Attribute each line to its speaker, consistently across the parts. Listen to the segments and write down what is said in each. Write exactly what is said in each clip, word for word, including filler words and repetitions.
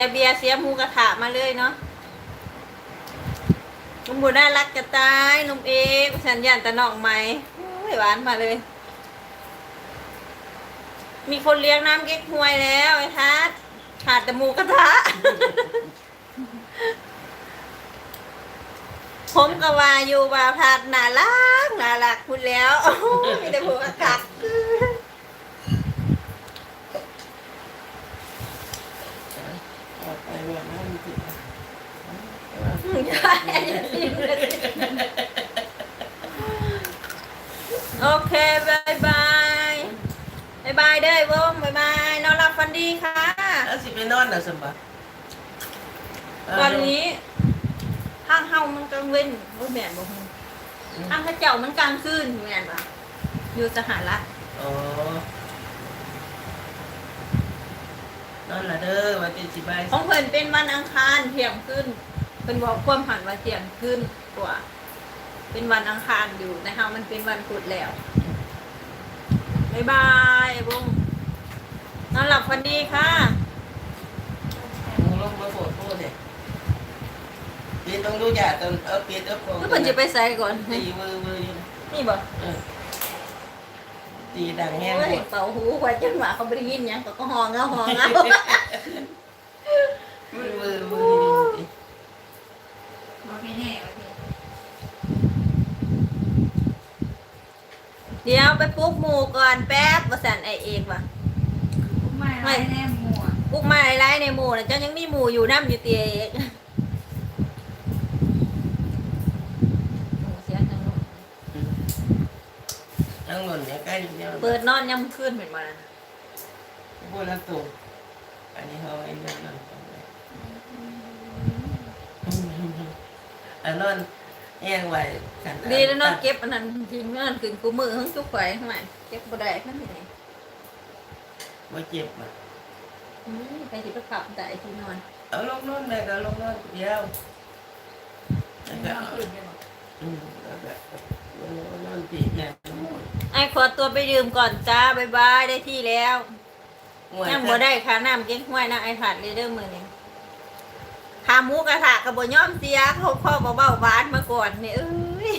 Speaker 1: เบียร์เสียหมูกระทะมาเลยเนาะลุงบุญน่ารักจะตายลุงเอกสัญญาณตะนอกไหมหวานมาเลย มีคนเลี้ยงน้ำเก๊กฮวยแล้วไอ้ทัศขาดแต่หมูกระทะ ผมก็ว่าอยู่ว่าทัศน่ารักน่ารักคุณแล้วมีแต่หมูกระทะ
Speaker 2: ไปเรียนน้ำจิต
Speaker 1: โอเคบายบายบายบายเด้อวงบายบายนอนหลับฝันดีค่ะ
Speaker 2: แล้วสิไปนอนน่ะสมบัติ
Speaker 1: ตอนนี้ห้างเฮามันกลางเว้นบ่แม่นบ่ฮู้ห้างเขาเจ้ามันกลางคืนแม่นบ่อยู่สหรัฐ
Speaker 2: อ๋อนอนละเด้อวันที่สิบาย
Speaker 1: ของเพิ่นเป็นวันอังคารเที่ยงคืนเพิ่นบอกความหันว่าเที่ยงคืนกว่าเป็นวันอังคารอยู่แต่เฮามันเป็นวันพุธแล้วบายบายไอ้วงนอนหลับฝันดีค่ะ
Speaker 2: มึงลงมาโผล่โผล่เนี่ยปีต้องดูยาตอนเอาปีเอาโผล่
Speaker 1: แล้วเพิ่นจะไปใส่ก่อน
Speaker 2: ตีมือมืออยู่
Speaker 1: นี่บ่
Speaker 2: เออตีดังแห้ง
Speaker 1: โอ้
Speaker 2: ห
Speaker 1: ย
Speaker 2: มด
Speaker 1: เป่าหูกว่าจังหวะเขาบ่ได้ยินหยังก็ก็ฮองเอาฮองเอา
Speaker 2: มือมือมืออยู่
Speaker 3: บอกให้แน่ว่าพี่
Speaker 1: เดี๋ยวไปปลุ๊กหมู่ก่อนแป๊บว่าสั่นไอเอกว่ะ
Speaker 3: ไม่ไรแน่หมัว
Speaker 1: ปลุ๊กมาไล่ในหมู่นะเจ้ายังมีหมู่อยู่น้ำอยู่เตียเอกโอ้เสียจังลูก
Speaker 2: ทั้งหมดเนี่ยใกล้เนี่ย
Speaker 1: เปิดนอนย่ำขึ้นเหมือนมานะ
Speaker 2: พูดแล้วตรงอันนี้เขาไอ้เรื่องนั้นตรงเลยอันนั้นแห้งไว้กัน
Speaker 1: ดีแล้วนอนเก็บอันนั้นจริงนอนขึ้นกูมือทั้งจุกไข่ทำไมเก็บบ่ได้ขั้นไหน
Speaker 2: ว่าเจ็บอ่ะ
Speaker 1: อืมไปที่ประขับได้ที่นอน
Speaker 2: เอาลงนอนเลยก็ลงนอนเดียวแล้วก็
Speaker 3: นอนตื่นไปบอก
Speaker 2: อืมแล้วก็นอนปีกเนี่ย
Speaker 1: ไอขอตัวไปดื่มก่อนจ้าบายบายได้ที่แล้วยังบ่ได้ค่ะน้ำเก๊กห้วยนะไอผัดเลยเด้อมือนี้ขาหมูกระทะกับบย่อมเสียเขาพ่อเบาๆหวานมาก่อนเนี่ยเอ้ย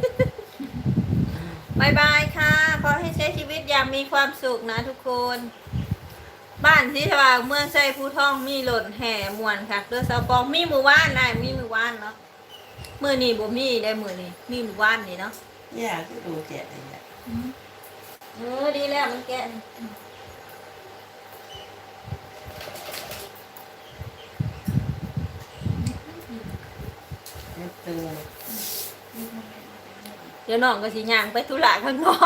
Speaker 1: บายบายค่ะ ขอให้ใช้ชีวิตอย่างมีความสุขนะทุกคน บ้านที่สว่างเมืองไส้ผู้ท่องมีหล่นแห่มวนค่ะเรือสาวปองมีมือว่านได้มีมือว่านเนาะมือนี้บ่มีได้มือนี้มีมือว่านนี่เนาะ
Speaker 2: ยากที่ดูแก่เลยเนี่ย
Speaker 1: เออดีแล้วมันแก่
Speaker 2: มันตึง
Speaker 1: เดี๋ยวน้องก็สิย่างไปธุระข้างนอก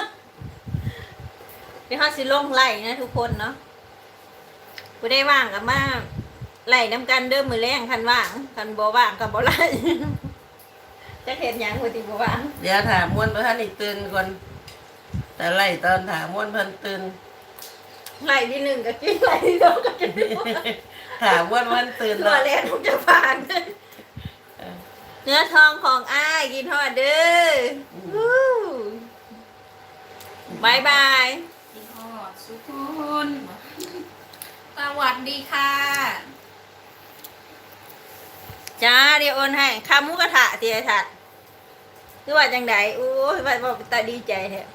Speaker 1: เดี๋ยวเขาสิลงไล่นะทุกคนเนาะกูได้ว่างกับมาไล่น้ำกันเดิมมือแรงคันว่างคันบ่ว่างกับบ่ไล่ จะเห็นหยังกูติบ่ว่าง
Speaker 2: เดี๋ยวถามมวนเพื่อนอีกตื่นก่อนแต่ไล่ตอนถามมวนเพื่อนตื่น
Speaker 1: ไล่ที่หนึ่งก็กินไล่ที่สองก็กิน
Speaker 2: ถามมวนเพื่อนตื่น
Speaker 1: ตัว
Speaker 2: แล้ว
Speaker 1: แรกทุกจะผ่าน เนื้อทองของอ้ายกินทอดเด้อวู้บายบาย
Speaker 3: พี่ฮอดสุขุนสวัสดีค่ะ
Speaker 1: จ้าเดี๋ยวโอนให้ข้าวหมูกระทะเตียถัดคือว่าจังไดโอ้ยว่าว่าตาดีใจแท้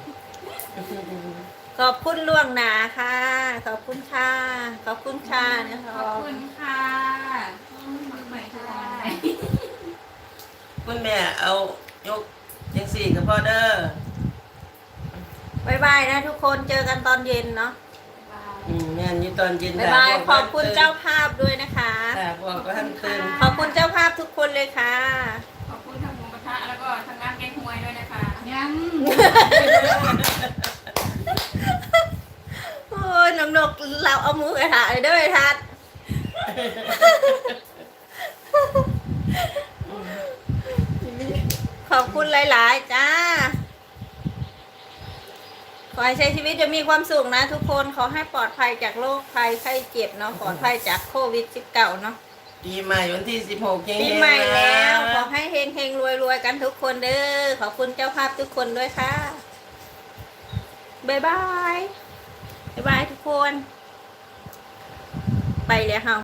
Speaker 1: ขอบคุณล่วงหนาค่ะ ขอบคุณค่ะ ขอบคุณค่ะนะ
Speaker 3: ข
Speaker 1: คะ
Speaker 3: อบคุณค่ะมักใหม่ทุกวัน
Speaker 2: คุณแม่เอายกยังสี่กับพ่อเด้อบ
Speaker 1: ายบายนะทุกคนเจอกันตอนเย็นเนาะ
Speaker 2: อืมแม่นอยู่ตอนเย็น
Speaker 1: บายบายขอบคุณเจ้าภาพด้วยนะคะ
Speaker 2: ถามพ่อก็ท่านตื่น
Speaker 1: ขอบคุณเจ้าภาพทุกคนเลยค่ะ
Speaker 3: ขอบคุณทางหมูกระทะแล้วก็ทางร้านแกงฮวยด้วยนะคะยัง
Speaker 1: โอ้ยนกนกเราเอาหมูกระทะเลยเด้วยทัดขอบคุณหลาย ๆ จ้า ขอให้ใช้ชีวิตจะมีความสุขนะทุกคนขอให้ปลอดภัยจากโรคภัยไข้เจ็บเนาะปลอดภัยจากโควิดสิบเก้าเนาะ
Speaker 2: ปีใหม่วันที่สิบหกเฮงๆ
Speaker 1: ปีใหม่แล้ว
Speaker 2: นะ
Speaker 1: ขอให้เฮงเฮงรวยรวยๆกันทุกคนเด้อขอบคุณเจ้าภาพทุกคนด้วยค่ะบ๊ายบายบ๊ายบายทุกคน ไปเลยค่ะ